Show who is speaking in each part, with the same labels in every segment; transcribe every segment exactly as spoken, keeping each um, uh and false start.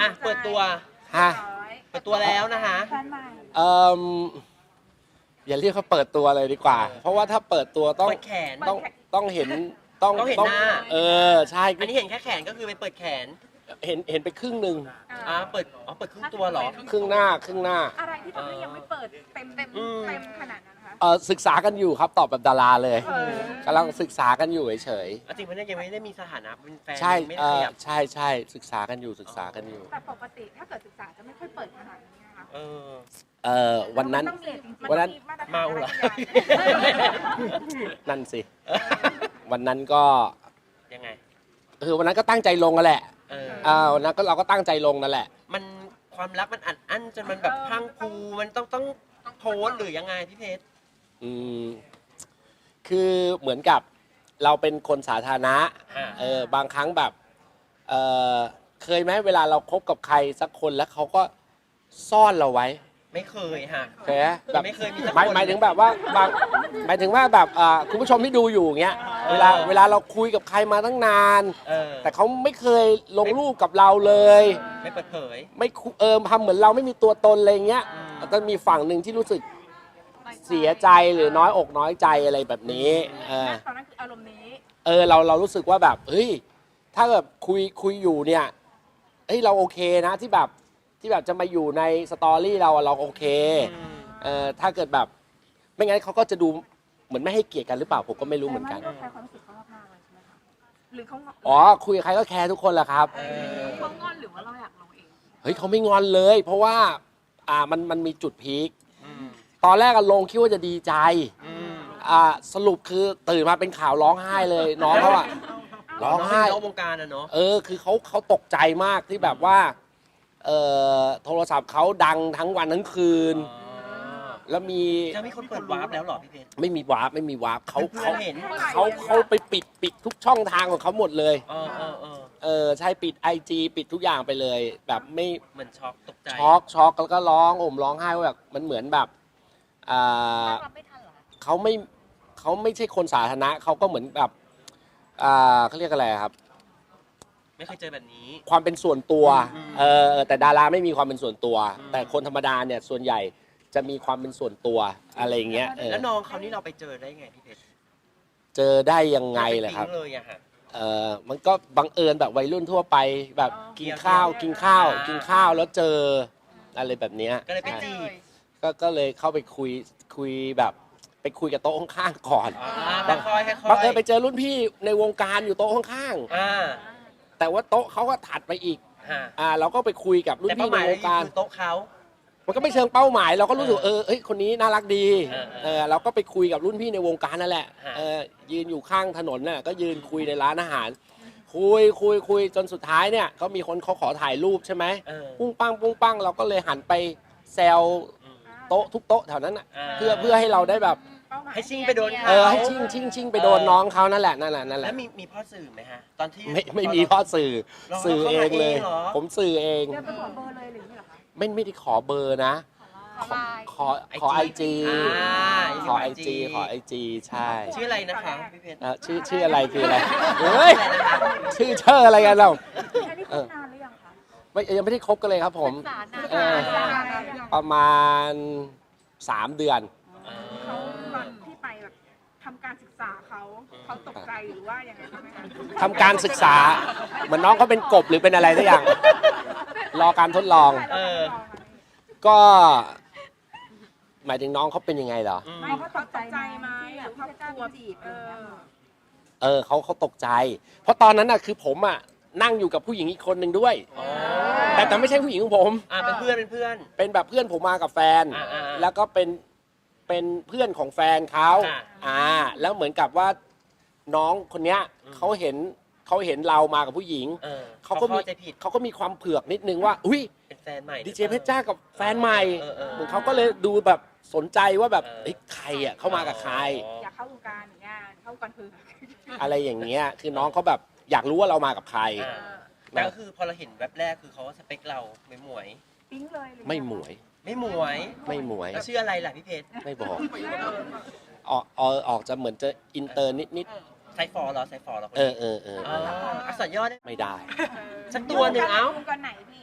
Speaker 1: อ่ะเปิดตัว
Speaker 2: ฮะ
Speaker 1: เปิดตัวแล้วนะคะ
Speaker 3: แฟนใหม่
Speaker 2: เอ่ออย่าเรียกเขาเปิดตัวเลยดีกว่า เพราะว่าถ้าเปิดตัวต้อง
Speaker 1: เปิดแขน
Speaker 2: ต้องต้องเห็นต้อง
Speaker 1: ต้องเห็นหน้า
Speaker 2: เออใช่
Speaker 1: อันนี้เห็นแค่แขนก็คือไปเปิดแขน
Speaker 2: เห็นเห็นไปครึ่งหนึ่ง
Speaker 1: อ่าเปิดอ๋อเปิดครึ่งตัวเหรอ
Speaker 2: ครึ่งหน้าครึ่งหน้า
Speaker 3: อะไรที่ทำให้ยังไม่เปิดเต็มเต็ม
Speaker 1: อืม
Speaker 3: เต็มขนาดนั้นคะ
Speaker 2: เออศึกษากันอยู่ครับตอบแบบดาราเลย
Speaker 3: เออก
Speaker 2: ำลังศึกษากันอยู่เฉย
Speaker 1: อ่ะจริงๆเนี่ยยังไม่ได้มีสถานะเป็นแฟน
Speaker 2: ๆใช่
Speaker 1: ไม่
Speaker 2: เอ
Speaker 1: ได้ข
Speaker 2: อ
Speaker 1: ยับ
Speaker 2: ใช่ใช่ศึกษากันอยู่ศึกษากันอยู่
Speaker 3: แต่ปกติถ้าเกิดศึกษาจะไม่ค่อยเปิดขนาดนี้นะคะ
Speaker 1: เออ
Speaker 2: เออวันนั้น
Speaker 3: มัต้องเรียจริงๆ
Speaker 2: วันนั้น
Speaker 3: มัต้อง
Speaker 1: เมาเหรอ
Speaker 2: นั่นสิวันนั้นก็
Speaker 1: ยังไง
Speaker 2: คือวันนั้นก็ตั้งใจลงกันแหละ
Speaker 1: เออ
Speaker 2: เออวันนั้นก็เราก็ตั้งใจลงนั่นแหละ
Speaker 1: มันความรักมันอัดอั้นจนมันแบบพรังพรูมันต้องต้องโพสต์หรือยังไงพี่เพชร
Speaker 2: อืมคือเหมือนกับเราเป็นคนสาธารณะ
Speaker 1: อ่า
Speaker 2: เออบางครั้งแบบเออเคยไหมเวลาเราคบกับใครสักคนแล้วเขาก็ซ่อนเราไว้
Speaker 1: ไม่เคยฮะ
Speaker 2: เคยไหมแบบ
Speaker 1: ไม่เคยมีสักคน
Speaker 2: หมายหมายถึงแบบว่าบางหมายถึงว่าแบบอ่าคุณผู้ชมที่ดูอยู่อย่างเงี้ยเวลาเวลาเราคุยกับใครมาตั้งนาน
Speaker 1: เออ
Speaker 2: แต่เขาไม่เคยลงรูปกับเราเลย
Speaker 1: ไม่เปิดเผย
Speaker 2: ไม่คุเออทำเหมือนเราไม่มีตัวตนอะไรเงี้ย
Speaker 1: อืม
Speaker 2: แล้วก็มีฝั่งหนึ่งที่รู้สึกเสียใจหรือน้อยอกน้อยใจอะไรแบบนี้เออ
Speaker 3: ตอนนั้นคืออารมณ์นี้
Speaker 2: เออเราเรารู้สึกว่าแบบเฮ้ยถ้าแบบคุยคุยอยู่เนี่ยเฮ้ยเราโอเคนะที่แบบที่แบบจะมาอยู่ในสตอรี่เราอะเราโอเค
Speaker 1: อืม
Speaker 2: เออถ้าเกิดแบบไม่งั้นเขาก็จะดูเหมือนไม่ให้เกียรติกันหรือเปล่าผมก็ไม่รู้เหมือนกัน
Speaker 3: แต่ว่าเราแคร์ความรู้สึกเขามากๆเลยใช่ไหมคะหรือเขางอน
Speaker 2: อ๋อคุยกับใครก็แคร์ทุกคนแหละครับ
Speaker 1: เออ
Speaker 3: เขางอนหรือว่าเราอยากลงเอง
Speaker 2: เฮ้ยเขาไม่งอนเลย เพราะว่าอ่ามันมันมีจุดพีค
Speaker 1: อืม
Speaker 2: ตอนแรกอะลงคิดว่าจะดีใจ
Speaker 1: อืม
Speaker 2: อ่าสรุปคือตื่นมาเป็นข่าวร้องไห้เลยน้องเขาอะร้องไห้
Speaker 1: น้องวงการอะเนาะ
Speaker 2: เออคือเขาเขาตกใจมากที่แบบว่าเออโทรศัพท์เขาดังทั้งวันทั้งคืน
Speaker 1: อ๋อ
Speaker 2: แล้วมี
Speaker 1: จะมีคนเปิดวาร์ปแล้วเหรอพี่เพชร
Speaker 2: ไม่มีวาร์ปไม่มีวาร์ปเขา
Speaker 1: เพื่อ
Speaker 2: เขา
Speaker 1: นเห็น
Speaker 2: เขาเขาไปปิดปิดทุกช่องทางของเขาหมดเลย
Speaker 1: เออเออเออ
Speaker 2: เออใช่ปิด ไอ จี ปิดทุกอย่างไปเลย แบบไม่
Speaker 1: เหมือนช็อกตกใจ
Speaker 2: ช็อกช็อกแล้วก็ร้องโอมร้องไห้ว่าแบบมันเหมือนแบบอ่า
Speaker 3: รับไม่ทันเหรอ
Speaker 2: เขาไม่เขาไม่ใช่คนสาธารณะเขาก็เหมือนแบบอ่าเขาเรียกอะไรครับ
Speaker 1: ไม่เคยเจอแบบนี้
Speaker 2: ความเป็นส่วนตัว
Speaker 1: อืม
Speaker 2: เออแต่ดาราไม่มีความเป็นส่วนตัว
Speaker 1: อืม
Speaker 2: แต่คนธรรมดาเนี่ยส่วนใหญ่จะมีความเป็นส่วนตัวอะไรอย่างเงี้ยเออ
Speaker 1: แล้วน้องเขานี่เราไปเจอได้ไงพี่เพชร
Speaker 2: เจอได้ยังไงเลยครับ
Speaker 1: ปปิ๊งเลยอะฮะ
Speaker 2: เออมันก็บังเอิญแบบวัยรุ่นทั่วไปแบบ
Speaker 3: อ๋อ
Speaker 2: กินข้าว
Speaker 1: เที่ยว
Speaker 2: กินข้าว
Speaker 1: อ่า
Speaker 2: กินข้าวแล้วเจออะไรแบบเนี้ย
Speaker 1: ก็เลยไป
Speaker 2: ใช่
Speaker 1: จีบ
Speaker 2: ก็ก็เลยเข้าไปคุยคุยแบบไปคุยกับโต๊ะข้างๆก่อน
Speaker 1: อ่าค่อยๆค่อยๆ
Speaker 2: บังเอิญไปเจอรุ่นพี่ในวงการอยู่โต๊ะข้าง
Speaker 1: อ่า
Speaker 2: ๆแต่ว่าโต๊ะเขาก็ถัดไปอีก
Speaker 1: ฮะ
Speaker 2: อ่าเราก็ไปคุยกับรุ่น
Speaker 1: แต่
Speaker 2: พี่
Speaker 1: เป้าห
Speaker 2: ใน
Speaker 1: มายว
Speaker 2: งการ
Speaker 1: คือโต๊ะเขา
Speaker 2: มันก็ไม่เชิงเป้าหมายเราก็รู้สึก
Speaker 1: เออ
Speaker 2: เออเอ้ยคนนี้น่ารักดี
Speaker 1: เออเออ
Speaker 2: เออเราก็ไปคุยกับรุ่นพี่ในวงการนั่นแหละ
Speaker 1: ฮะ
Speaker 2: เออยืนอยู่ข้างถนนน่ะก็ยืนคุยในร้านอาหาร คุยคุยคุยจนสุดท้ายเนี่ยก็มีคนเขาขอถ่ายรูปใช่ไหม
Speaker 1: เออ
Speaker 2: ปุ้งปังปุ้งปังเราก็เลยหันไปแซว
Speaker 1: อืม
Speaker 2: โต๊ะทุกโต๊ะแถวนั้นน่ะ
Speaker 1: อ่า
Speaker 2: เพื่อเพื่อให้เราได้แบบ
Speaker 3: เป้าหมาย
Speaker 1: ให้ชิ่งไปโดนเขา
Speaker 2: เออให้ชิ่งชิ่งชิ่งไปโดนน้องเขานั่นแหละนั่นแหละนั่นแห
Speaker 1: แล้
Speaker 2: ละ
Speaker 1: วมีมีพ่อสื่อไหมฮะ ตอนที่
Speaker 2: ไม่ไม่มีข้อสื่อ
Speaker 1: เรา
Speaker 2: สื่อเองเลย
Speaker 1: เราเข้ามาเองเหรอ
Speaker 2: ผมสื่อเอง
Speaker 3: เดินไปขอเบอร์เลยหรืออย่างนี้เหรอคะ
Speaker 2: ไม่ไม่ได้ขอเบอร์นะ
Speaker 3: ขอไลน์
Speaker 2: ขอขอไอจี
Speaker 1: อ่า
Speaker 2: ขอไอจีขอไอจีใช่
Speaker 1: ชื่ออะไรนะคะพี่เพชร
Speaker 2: เอ่อชื่อชื่ออะไรคืออะไรเฮ้ย
Speaker 1: อะไรนะคะ
Speaker 2: ชื่อเชื่ออะไรกันเรา
Speaker 3: อันนี้คบนานหรือยังคะ
Speaker 2: ไม่ยังไม่ได้คบกันเลยครับผม
Speaker 3: ศึกษานาน
Speaker 2: เออ
Speaker 3: ศึกษานานหรือยัง
Speaker 2: ประมาณสามเดือน
Speaker 3: เขาตอนที่ไปแบบทำการศึกษาเขาเขาตกใจหรือว่ายังไงใช่ไหมคะ
Speaker 2: ทำการศึกษาเหมือนน้องเขาเป็นกบหรือเป็นอะไรสักอย่าง รอการทดลอง
Speaker 1: เออ
Speaker 2: ก็ หมายถึงน้องเขาเป็นยังไงเหรอ
Speaker 1: อืม
Speaker 3: ไม่เขาตกใจไหมหรือเขากลัวจีบเออ
Speaker 2: เออเขาเขาตกใจ เพราะตอนนั้นน่ะคือผมอ่ะนั่งอยู่กับผู้หญิงอีกคนหนึ่งด้วย
Speaker 1: อ๋อ
Speaker 2: แต่แต่ไม่ใช่ผู้หญิงของผม
Speaker 1: อ่าเป็นเพื่อนเป็นเพื่อน
Speaker 2: เป็นแบบเพื่อนผมมากับแฟน
Speaker 1: อ่าอ่าอ่า
Speaker 2: แล้วก็เป็นเป็นเพื่อนของแฟนเขา
Speaker 1: อ่า
Speaker 2: อ่า แล้วเหมือนกับว่าน้องคนเนี้ย
Speaker 1: อืม
Speaker 2: เขาเห็นเขาเห็นเรามากับผู้หญิง
Speaker 1: เออ
Speaker 2: เขาก็มี
Speaker 1: เข้าใจผิด
Speaker 2: เขาก็มีความเผือกนิดนึงว่า อุ้ย
Speaker 1: เป็นแฟนใหม่
Speaker 2: ดีเจเพชรจ้ากับแฟนใหม่
Speaker 1: เออเออ
Speaker 2: เหมือนเขาก็เลยดูแบบสนใจว่าแบบ
Speaker 1: เออ
Speaker 2: เอ้ยใครอ่ะเข้ามากับใคร
Speaker 3: อยากเข้าวงการอย่างเงี้ยเข้าวงการคือ
Speaker 2: อะไรอย่างเงี้ย คือน้องเขาแบบอยากรู้ว่าเรามากับใคร
Speaker 1: อ่าแต่ก็คือพอเราเห็นแวบแรกคือเขาก็สเปคเราไม่หมวย
Speaker 3: ปิ๊งเลยหรือ
Speaker 2: ไม่หมวย
Speaker 1: ไม่หมวย
Speaker 2: ไม่หมวย
Speaker 1: แล้วชื่ออะไรล่ะพี่เพชร
Speaker 2: ไม่บอก ออกออกออกจะเหมือนจะอินเตอร์นิดนิด
Speaker 1: ไซฟอร์เหรอไซฟอร์เหรอคน
Speaker 2: ๆเอ
Speaker 1: นี้
Speaker 2: อเออเออ
Speaker 1: อ๋ออักษรย่อได้
Speaker 2: ไม่ได้
Speaker 1: สักตัวหนึ่งเอ้า
Speaker 3: วงการไหนพี่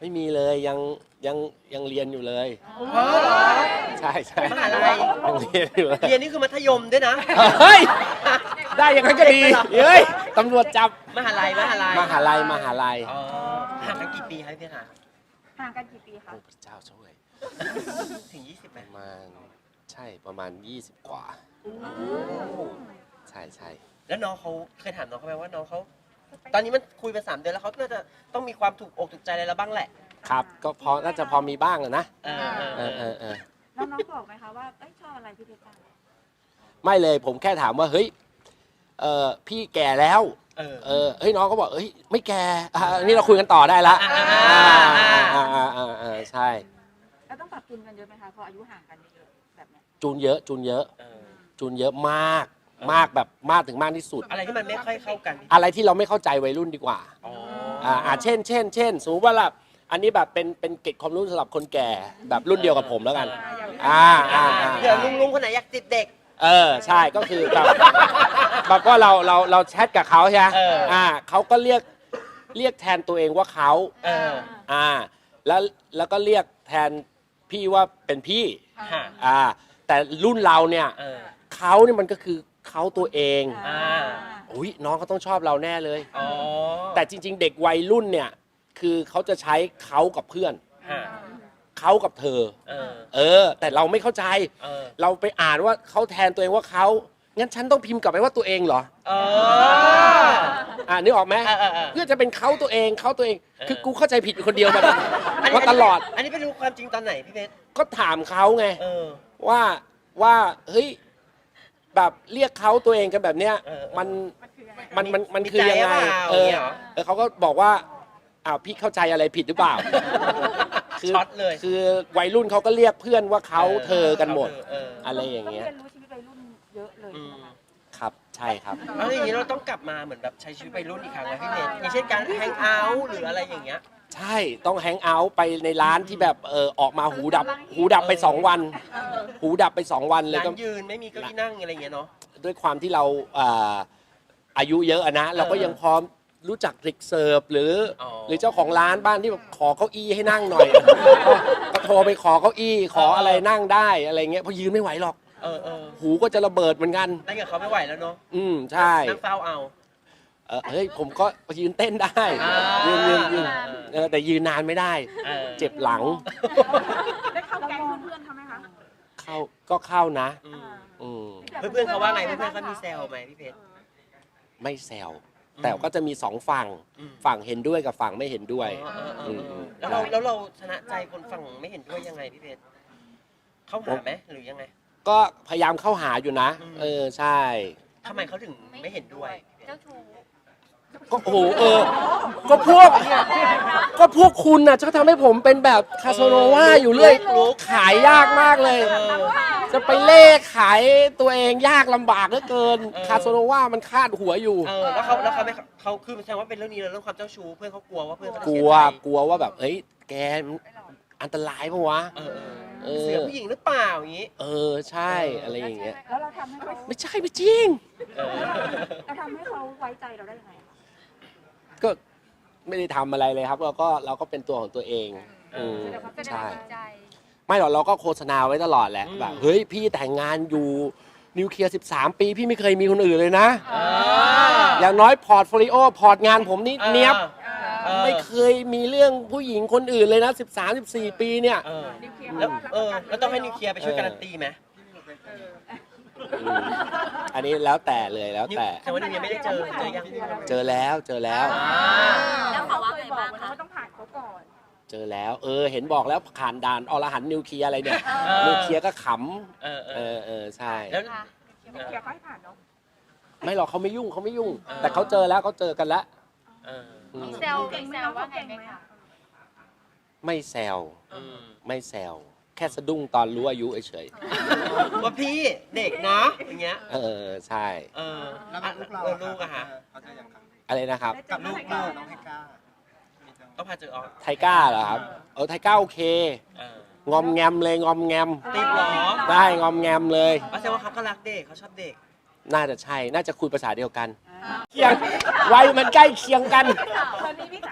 Speaker 2: ไม่มีเลยยังยังยังเรียนอยู่เลย
Speaker 1: เออเหรอ
Speaker 2: ใช่ใช่
Speaker 1: มหาลัย
Speaker 2: ยังเรียนอยู่เลย
Speaker 1: เรียนนี่คือมัธยมด้วยนะ
Speaker 2: เฮ้ยได้อย่างนั้นก็ดีเฮ้ยตำรวจจับ
Speaker 1: มหาลัยมหาลัย
Speaker 2: มหาลัยมหาลัย
Speaker 1: อ๋อห่างกันกี่ปีครับพี่ค่ะ
Speaker 3: ห่างกันกี่ปีคะ
Speaker 2: โอ้พระเจ้าช่วย
Speaker 1: ถึงยี่สิบไหม
Speaker 2: ประมาณใช่ประมาณยี่สิบกว่า ใช่ใช่
Speaker 1: แล้วน้องเขาเคยถามน้องเขาไหมว่าน้องเขาตอนนี้มันคุยไปสามเดือนแล้วเขาน่าจะต้องมีความถูกอกถูกใจอะไรแล้วบ้างแหละ
Speaker 2: ครับก็พอน่าจะพอมีบ้างอะนะ
Speaker 1: เออเอ
Speaker 2: เอ
Speaker 1: อ
Speaker 2: อ
Speaker 1: เอ
Speaker 2: เอ
Speaker 1: อ
Speaker 2: อเออ
Speaker 3: น้องๆบอกไหมคะว่าเอ้ยชอบอะไรพี่เพชรบ้าง
Speaker 2: ไม่เลยผมแค่ถามว่าเฮ้ยเออพี่แก่แล้ว
Speaker 1: เออ
Speaker 2: เออเฮ้ยน้องก็บอกเฮ้ยไม่แก่อ่ะอันนี้เราคุยกันต่อได้ละ
Speaker 1: อ่า
Speaker 2: อ่าอ่าอ่าอ่าใช่
Speaker 3: แล้วต้องปรับจูนกันเยอะไหมคะพออายุห่างกันเยอะแบบเนี้ย
Speaker 2: จูนเยอะจูนเยอะ
Speaker 1: เออ
Speaker 2: จูนเยอะมากมากแบบมากถึงมากที่สุด
Speaker 1: อะไรที่มันไม่ค่อยเข้ากัน
Speaker 2: อะไรที่เราไม่เข้าใจวัยรุ่นดีกว่า
Speaker 1: อ๋อ
Speaker 2: อ่าอ่าเช่นเช่นเช่นสมมติว่าแบบอันนี้แบบเป็นเป็นเกร็ดความรู้สำหรับคนแก่แบบรุ่นเดียวกับผมแล้วกัน อ่าอ่าอ่า
Speaker 1: เดี๋ยวลุงลุงคนไหนอยากติดเด็ก
Speaker 2: เออใช่ก็คือแบบแบบว่าเราเราเราแชทกับเขาใช่ไหม
Speaker 1: เอออ่
Speaker 2: อ่าเขาก็เรียกเรียกแทนตัวเองว่าเขา
Speaker 1: เออ
Speaker 2: อ่าแล้วแล้วก็เรียกแทนพี่ว่าเป็นพี่
Speaker 1: ฮะ
Speaker 2: อ่าแต่รุ่นเราเนี่ย
Speaker 1: เออ
Speaker 2: เขาเนี่ยมันก็คือเขาตัวเอง
Speaker 1: อ่า
Speaker 2: อุ้ยน้องเขาต้องชอบเราแน่เลย
Speaker 1: อ๋อ
Speaker 2: แต่จริง ๆ เด็กวัยรุ่นเนี่ยคือเขาจะใช้เขากับเพื่อน
Speaker 1: ฮะ
Speaker 2: เขากับเธอ
Speaker 1: เออ
Speaker 2: เออ แต่เราไม่เข้าใจ
Speaker 1: เออ
Speaker 2: เราไปอ่านว่าเขาแทนตัวเองว่าเขางั้นฉันต้องพิมพ์กลับไปว่าตัวเองเหรอ
Speaker 1: เออ
Speaker 2: อ่านึกออกไหม
Speaker 1: เออเออเออ
Speaker 2: เพื่อจะเป็นเขาตัวเองเขาตัวเอง
Speaker 1: เออ
Speaker 2: คือกูเข้าใจผิดอยู่คนเดียวมา
Speaker 1: อันนี้
Speaker 2: มาตลอด
Speaker 1: อันนี้ไปรู้ความจริงตอนไหนพี่เพชร
Speaker 2: ก็ถามเขาไง
Speaker 1: เออ
Speaker 2: ว่าว่าเฮ้ยแบบเรียกเขาตัวเองกันแบบเนี้ย
Speaker 1: เออเออ
Speaker 2: มัน
Speaker 3: มันคือยังไง
Speaker 2: มันมันมัน
Speaker 1: มี
Speaker 2: คือยังไง
Speaker 1: ใจหรือเปล่า
Speaker 2: เออ
Speaker 1: เนี่ยเหรอ
Speaker 2: เออเขาก็บอกว่าอ้าวพี่เข้าใจอะไรผิดหรือเปล่า คื
Speaker 1: ช็อตเลย
Speaker 2: คือวัยรุ่นเขาก็เรียกเพื่อนว่าเขาเธอกันหมด
Speaker 1: เออ
Speaker 2: อะไรอย่างเงี้ย
Speaker 3: ต้เรียนรู้ชีวิตวัยรุ่นเยอะเลย
Speaker 1: อื
Speaker 3: ใช่ไหม
Speaker 1: ม
Speaker 3: คะ
Speaker 2: ครับใช่ครับ
Speaker 1: แล้วอย่างนี้เราต้องกลับมาเหมือนแบบใช้ชีวิตวัยรุ่นอีกครั้งนะพี่เพชรอย่างเช่นการแฮงเอาท์หรืออะไรอย่างเงี้ย
Speaker 2: ใช่ต้องแฮงเอาท์ไปในร้านที่แบบเออออกมาหูดับ หูดับไปสองวัน หูดับไปสองวันเลย
Speaker 1: ร้า
Speaker 2: ก็
Speaker 1: นยืนไม่มีเก้าอี้นั่งอะไรอย่างเงี้ยเนาะ
Speaker 2: ด้วยความที่เราอ่าอายุเยอะอะนะ เราก็ยังพร้อมรู้จักทริกเสิร์ฟหรืออ
Speaker 1: อ
Speaker 2: หรือเจ้าของร้านบ้านที่แบบขอเก้าอี้ให้นั่งหน่อย ก็โทรไปขอเก้าอี้ขออะไรนั่งได้อะไรเงี้ยเพราะยืนไม่ไหวหรอก
Speaker 1: เออเออ
Speaker 2: หูก็จะระเบิดเหมือนกัน
Speaker 1: นั่งกับเขาไม่ไหวแล้วเนาะ
Speaker 2: อืมใช่
Speaker 1: นั่งเฝ้าเอา
Speaker 2: เออเฮ้ยผมก็ยืนเต้นได้
Speaker 1: อ่า
Speaker 2: ยืนยืนยืนเออแต่ยืนนานไม่ได้
Speaker 1: ออ
Speaker 2: เจ็บหลัง
Speaker 3: ได้เข้าแก๊งเพื่อนๆเขาไหมคะ
Speaker 2: เข้าก็เข้านะ
Speaker 1: อืม
Speaker 2: อืม
Speaker 1: เพื่อนๆเขาว่าไงเพื่อนๆเขามีแซวไหมพี่เพชร
Speaker 2: ไม่แซว
Speaker 1: อืม
Speaker 2: แต่ก็จะมีสองฝั่ง
Speaker 1: อืม
Speaker 2: ฝั่งเห็นด้วยกับฝั่งไม่เห็นด้วย
Speaker 1: เออเออเออเออ
Speaker 2: ม
Speaker 1: แล้วเราแล้วเราชนะใจคนฝั่งไม่เห็นด้วยยังไงพี่เพชรเข้าหาไหมหรือยังไง
Speaker 2: ก็พยายามเข้าหาอยู่นะ
Speaker 1: อืม
Speaker 2: เออใช่
Speaker 1: ทำไมเขาถึงไม่เห็นด้วย
Speaker 4: เจ้าชู้
Speaker 2: ก็โอ้โหเออ ก็พวก ก็พวกคุณน่ะจะทำให้ผมเป็นแบบคาโซโนวาอยู่เรื่อย
Speaker 1: รู้
Speaker 2: ขายยากมากเลย
Speaker 1: เออ
Speaker 2: จะไปเล่ขายตัวเองยากลำบากเหลือเกิน
Speaker 1: เออ
Speaker 2: คาโซโนวามันคาดหัวอยู่
Speaker 1: เออแล้วเขาแล้วเขาไม่เขาคือแสดงว่าเป็นเรื่องนี้เลยเรื่องความเจ้าชู้เพื่อนเขากลัวว่าเพื่อนเขาจะ
Speaker 2: ก
Speaker 1: เสี
Speaker 2: ลั
Speaker 1: ยว ใจ
Speaker 2: กลัวว่าแบบ เอ้ย แกอันตรายปะวะ
Speaker 1: เออ
Speaker 2: เอ
Speaker 1: เอ
Speaker 2: อ
Speaker 1: อเสือผู้หญิงหรือเปล่าอย่างนี้
Speaker 2: เออใช่ อะไรอย่างเงี้ย
Speaker 3: แล้วเราทำให้เขา
Speaker 2: ไม่ใช่ไม่จริง
Speaker 1: เออ
Speaker 3: เราทำให้เขาไว้ใจเราได้ยังไงคะ
Speaker 2: ก็ไม่ได้ทำอะไรเลยครับเราก็เราก็เป็นตัวของตัวเองอืม
Speaker 4: แสดงว่า
Speaker 2: ใช่
Speaker 4: ใจ
Speaker 2: ไม่หรอกเราก็โฆษณาไว้ตลอดแหละ
Speaker 1: อืม
Speaker 2: แบบเฮ้ยพี่แต่งงานอยู่นิวเคลียร์สิบสามปีพี่ไม่เคยมีคนอื่นเลยนะ
Speaker 1: เออ
Speaker 2: อย่างน้อยพอร์ตโฟลิโอพอร์ตงานผมนี่เนี้ยบ
Speaker 1: เออ
Speaker 2: ไม่เคยมีเรื่องผู้หญิงคนอื่นเลยนะสิบสาม สิบสี่ปีเนี่ย
Speaker 1: เออ
Speaker 3: นิวเคลียร์
Speaker 1: แล้ว
Speaker 3: เขา
Speaker 1: เออ
Speaker 3: รับประกัน
Speaker 1: แล้วต้องให้นิวเคลียร์ไปช่วยการันตีไหม
Speaker 2: อืมอันนี้แล้วแต่เลยแล้ว
Speaker 1: นิว
Speaker 2: แต่
Speaker 1: แต่ว่านิวยังไม่ได้เจอเจอยัง
Speaker 2: เจอแล้วเจอแล้ว
Speaker 1: อ่า
Speaker 4: แล้วเขาว่าไงบ้าง
Speaker 3: เข
Speaker 4: คะ
Speaker 3: ว่าต้องผ่านเขาก่อน
Speaker 2: เจอแล้ว เออ เห็นบอกแล้วผ่านด่านอรหันต์นิวเคลียร์อะไรเนี่ย
Speaker 1: เออ
Speaker 2: นิวเคลียร์ก็ข
Speaker 1: เออ
Speaker 2: ำ
Speaker 1: เอ
Speaker 2: เอ
Speaker 1: อ
Speaker 2: อเออใช่
Speaker 1: แล้ว
Speaker 4: ค่ะ
Speaker 3: นิวเคลียร์เขาให้ผ่านเนาะ
Speaker 2: ไม่หรอกเขาไม่ยุ่งเขาไม่ยุ่ง
Speaker 1: เออ
Speaker 2: แต่เขาเจอแล้วเขาเจอกันแล้ว
Speaker 1: เออ
Speaker 2: อืม
Speaker 4: เซลเซลว่าไงไหมคะ
Speaker 2: ไม่แซว
Speaker 1: อืม
Speaker 2: ไม่แซวแค่สะดุ้งตอนรู้อายุเฉย
Speaker 1: ว่าพี่เด็กนะอย่างเงี้ย
Speaker 2: ๆเออใช่
Speaker 1: เออ
Speaker 5: แล้ว
Speaker 1: อ่ะ
Speaker 5: ลูกเรา
Speaker 1: เออลูกอะฮะ
Speaker 5: เขาจะยังครับ
Speaker 2: อะไรนะครับ
Speaker 3: ได้เจ
Speaker 5: กับ
Speaker 3: อ
Speaker 5: ลูก
Speaker 3: ไหม
Speaker 5: เรา
Speaker 3: คะ
Speaker 5: น้องให้กล้ามีจัง
Speaker 1: ต้องพาเจอออก
Speaker 2: ไทก้าเหรอครับเออไทก้าโอเค
Speaker 1: เออง
Speaker 2: อมแงมเลยงอมแงม
Speaker 1: ติดเหรอ
Speaker 2: ได้งอมแงมเลย
Speaker 1: อ๋อแสดงว่าเขาก็รักเด็กเขาชอบเด็ก
Speaker 2: น่าจะใช่ น่าจะคุยภาษาเดียวกันเคียงวัยมันใกล้เคียงกัน
Speaker 3: ตอนนี้พี่สา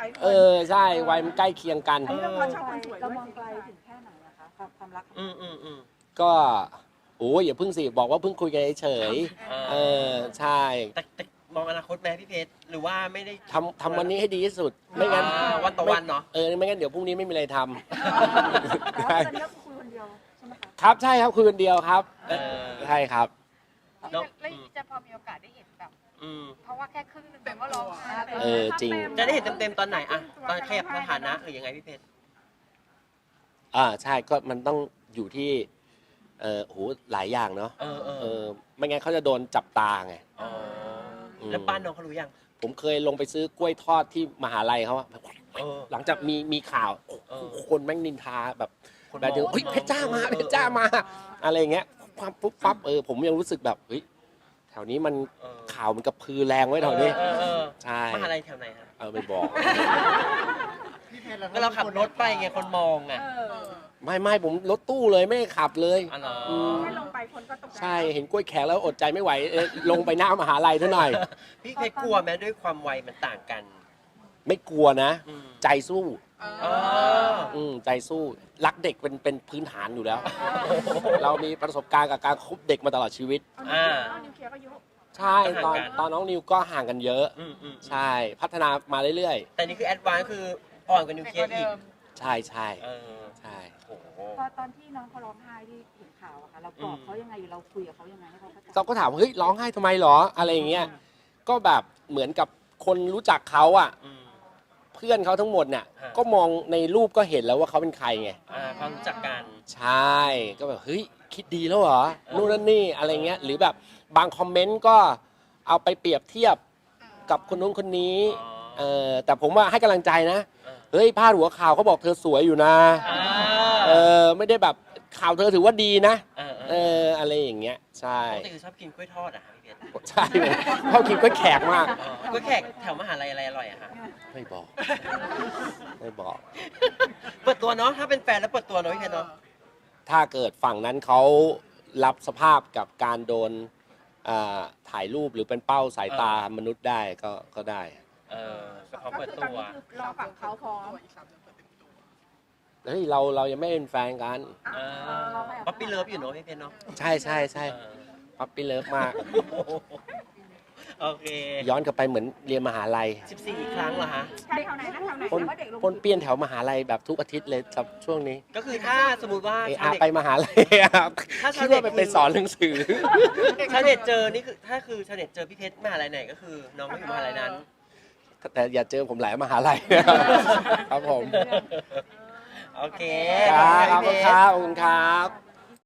Speaker 3: าย
Speaker 2: เออใช่วัยมันใกล้เคียงกัน
Speaker 3: อันนี้เราพอชอบคนสวย
Speaker 6: เรา
Speaker 3: ด้วย
Speaker 6: มองไกลถึงแค่ไหนอะคะความความรักของ
Speaker 1: อืมอืมอืม
Speaker 2: ก็โอ้ยอย่าเพิ่งสิบอกว่าเพิ่งคุยกันเฉย
Speaker 1: อ่า
Speaker 2: ๆเออใช่
Speaker 1: แต่แต่มองอนาคตไหมพี่เพชรหรือว่าไม่ได้
Speaker 2: ทำทำวันนี้ให้ดีที่สุดไม่งั้น
Speaker 1: อ่าวันต่อวันเนาะ
Speaker 2: เออไม่งั้นเดี๋ยวพรุ่งนี้ไม่มีอะไรท
Speaker 6: แต่
Speaker 2: ำ
Speaker 6: ว่า
Speaker 2: ใช่
Speaker 6: ตอนนี้ก็คือคุยคนเดียวใช่ไหมคะ
Speaker 2: ครับใช่ครับคุยคนเดียวครับ
Speaker 1: เออ
Speaker 2: ใช่ครับ
Speaker 1: เนอะ
Speaker 4: แล้วจะพอมีโอกาสได้เห็นแบบ
Speaker 1: อืม
Speaker 4: เพราะว่าแค่ครึ่งหนึงแต่ว่าร้องไห้
Speaker 2: เออจริง
Speaker 1: จะได้เห็นเต็มๆตอนไหนอะตอนขยับสถานะหรือยังไงพี่เพชร
Speaker 2: อ่าใช่ก็มันต้องอยู่ที่เออโหหลายอย่างเนาะ
Speaker 1: เออเออ
Speaker 2: เออไม่งั้นเขาจะโดนจับตาไง
Speaker 1: อ๋อแล้วป้านน้องเขารู้ยัง
Speaker 2: ผมเคยลงไปซื้อกล้วยทอดที่มหาลัยเขาอะ
Speaker 1: เออ
Speaker 2: หลังจากมีมีข่าว
Speaker 1: เออ
Speaker 2: คนแม่งนินทาแบบ
Speaker 1: คน
Speaker 2: แบบเดียว
Speaker 1: มอง
Speaker 2: เฮ้ยเพชรจ้ามา
Speaker 1: เออ
Speaker 2: เพชรจ้ามาอะไรอย่างเงี้ยปั๊บปุ๊บปั๊บเออผมยังรู้สึกแบบเฮ้ยแถวนี้มัน
Speaker 1: เออ
Speaker 2: ข่าวมันกระพือแรงไว้แถวนี้
Speaker 1: เออเออ
Speaker 2: ใช่
Speaker 1: มหาลัยแถวไหนฮะ
Speaker 2: เออไม่บอก
Speaker 5: พี่เพชรแล้ว
Speaker 1: ก็เราขับรถไปไงคนมองไง
Speaker 3: เออ
Speaker 2: ไม่ไม่ผมรถตู้เลยไม่ได้ขับเลย
Speaker 1: อ๋อเหรอ
Speaker 2: ม
Speaker 3: แค่ลงไปคนก็ตกใจ
Speaker 2: ใช่เห็นกล้วยแขกแล้วอดใจไม่ไหวเออลงไปหน้ามหาลัยเท่าหน่อย
Speaker 1: พี่เพชรกลัวไหมด้วยความวัยมันต่างกัน
Speaker 2: ไม่กลัวนะ
Speaker 1: อืม
Speaker 2: ใจสู้
Speaker 1: เออ
Speaker 2: อืมใจสู้รักเด็กเป็นเป็นพื้นฐานอยู่แล้ว เรามีประสบการณ์กับการคบเด็กมาตลอดชีวิต
Speaker 1: อ่า
Speaker 3: เอานิวเคลียร์ก็ยุ
Speaker 2: ใช่ตอน
Speaker 1: ห่างกัน
Speaker 2: ตอนน้องนิวก็ห่างกันเยอะ
Speaker 1: อืมอืม
Speaker 2: ใช่พัฒนามาเรื่อย
Speaker 1: แต่นี่คือแอดวานซ์คืออ่อนกว่านิวเคลียร์อีก
Speaker 2: ๆ ใช่ใช่
Speaker 1: เออ
Speaker 2: ใช่
Speaker 1: โอ้โห
Speaker 6: ตอนตอนที่น้องเขาร้องไห้ที่เห็นข่าวอะค่ะเราปลอบเขายังไงหรือเราคุยกับเขายังไงให้เขาเข้าใจ
Speaker 2: เราก็ถามว่าเฮ้ยร้องไห้ทำไมหรออะไรอย่างเงี้ยก็แบบเหมือนกับคนรู้จักเขาอ่ะ
Speaker 1: อืม
Speaker 2: เพื่อนเขาทั้งหมดเนี่ย
Speaker 1: ฮะ
Speaker 2: ก็มองในรูปก็เห็นแล้วว่าเขาเป็นใครไง
Speaker 1: อ่าความรู้จักกัน
Speaker 2: ใช่ก็แบบเฮ้ยคิดดีแล้วเหรอนู่นนั่นนี่อะไรเงี้ยหรือแบบบางคอมเมนต์ก็เอาไปเปรียบเทียบกับคนนู้นคนนี้
Speaker 1: อ๋อ
Speaker 2: เออแต่ผมว่าให้กำลังใจนะ
Speaker 1: เออ
Speaker 2: เฮ้ยพาดหัวข่าวเขาบอกเธอสวยอยู่นะ
Speaker 1: อ่า
Speaker 2: เออไม่ได้แบบข่าวเธอถือว่าดีนะ
Speaker 1: เออเอ
Speaker 2: เอ
Speaker 1: อ
Speaker 2: ออะไรอย่างเงี้ยใช่
Speaker 1: ปกติคือชอบกินกล้วยทอดอะคะพี่เพชร
Speaker 2: ใช่เขากินก็แขกมาก
Speaker 1: อ๋อกล้วยแขกแถวมหาลัยอะไรอร่อยอะคะ
Speaker 2: ไม่บอก ไม่บอก
Speaker 1: เปิดตัวเนาะถ้าเป็นแฟนแล้วเปิดตัวเนาะพี่เพชรเนาะ
Speaker 2: ถ้าเกิดฝั่งนั้นเขารับสภาพกับการโดนอ่าถ่ายรูปหรือเป็นเป้าสายตามนุษย์ได้ก็ก็ได้
Speaker 1: เออก็เขา
Speaker 3: ก็
Speaker 1: เปิด
Speaker 3: คือต
Speaker 1: ตั
Speaker 3: อน
Speaker 1: ว
Speaker 3: นี้คือรอฝั่งเขาพร้อม
Speaker 2: เฮ้ยเราเรายังไม่เป็นแฟนกัน
Speaker 1: เออป๊อปปี้เลิฟอยู่เนาะพี่เพชรเนาะ
Speaker 2: ใช่ใช่ใช่
Speaker 1: เออ
Speaker 2: ปั๊ปปี้เลิฟมาก
Speaker 1: โอเค
Speaker 2: ย้อนกลับไปเหมือนเรียนมหาลัย
Speaker 1: สิบสี่ครั้งเหรอฮะ
Speaker 3: ใช่แถวไหนนะแถวไหน
Speaker 2: ปน
Speaker 3: ว่าเด็กลง
Speaker 2: ปนเปี้ยนแถวมหาลัยแบบทุกอาทิตย์เลยครับช่วงนี้
Speaker 1: ก็คือถ้าสมมติว่า
Speaker 2: เอ
Speaker 1: ชาว
Speaker 2: อา
Speaker 1: เน็ต
Speaker 2: ไปมหาลัยครับ
Speaker 1: ถ้า
Speaker 2: คิ
Speaker 1: ชาว
Speaker 2: ด
Speaker 1: เน็ต
Speaker 2: ว่าไป
Speaker 1: คือ
Speaker 2: ไปสอนหนังสือ
Speaker 1: ชาวเน็ตเจอนี่คือถ้าคือชาวเน็ตเจอพี่เพชรมหาลัยไหนก็คือน้องก็อยู่มหาลัยนั้น
Speaker 2: แต่อย่าเจอผมหลายมหาลัย ครับผม
Speaker 1: โอเค
Speaker 2: ครับขอบ
Speaker 1: พี่
Speaker 2: คุณ
Speaker 1: เพ
Speaker 2: ค
Speaker 1: ช
Speaker 2: รับขอบคุณครับ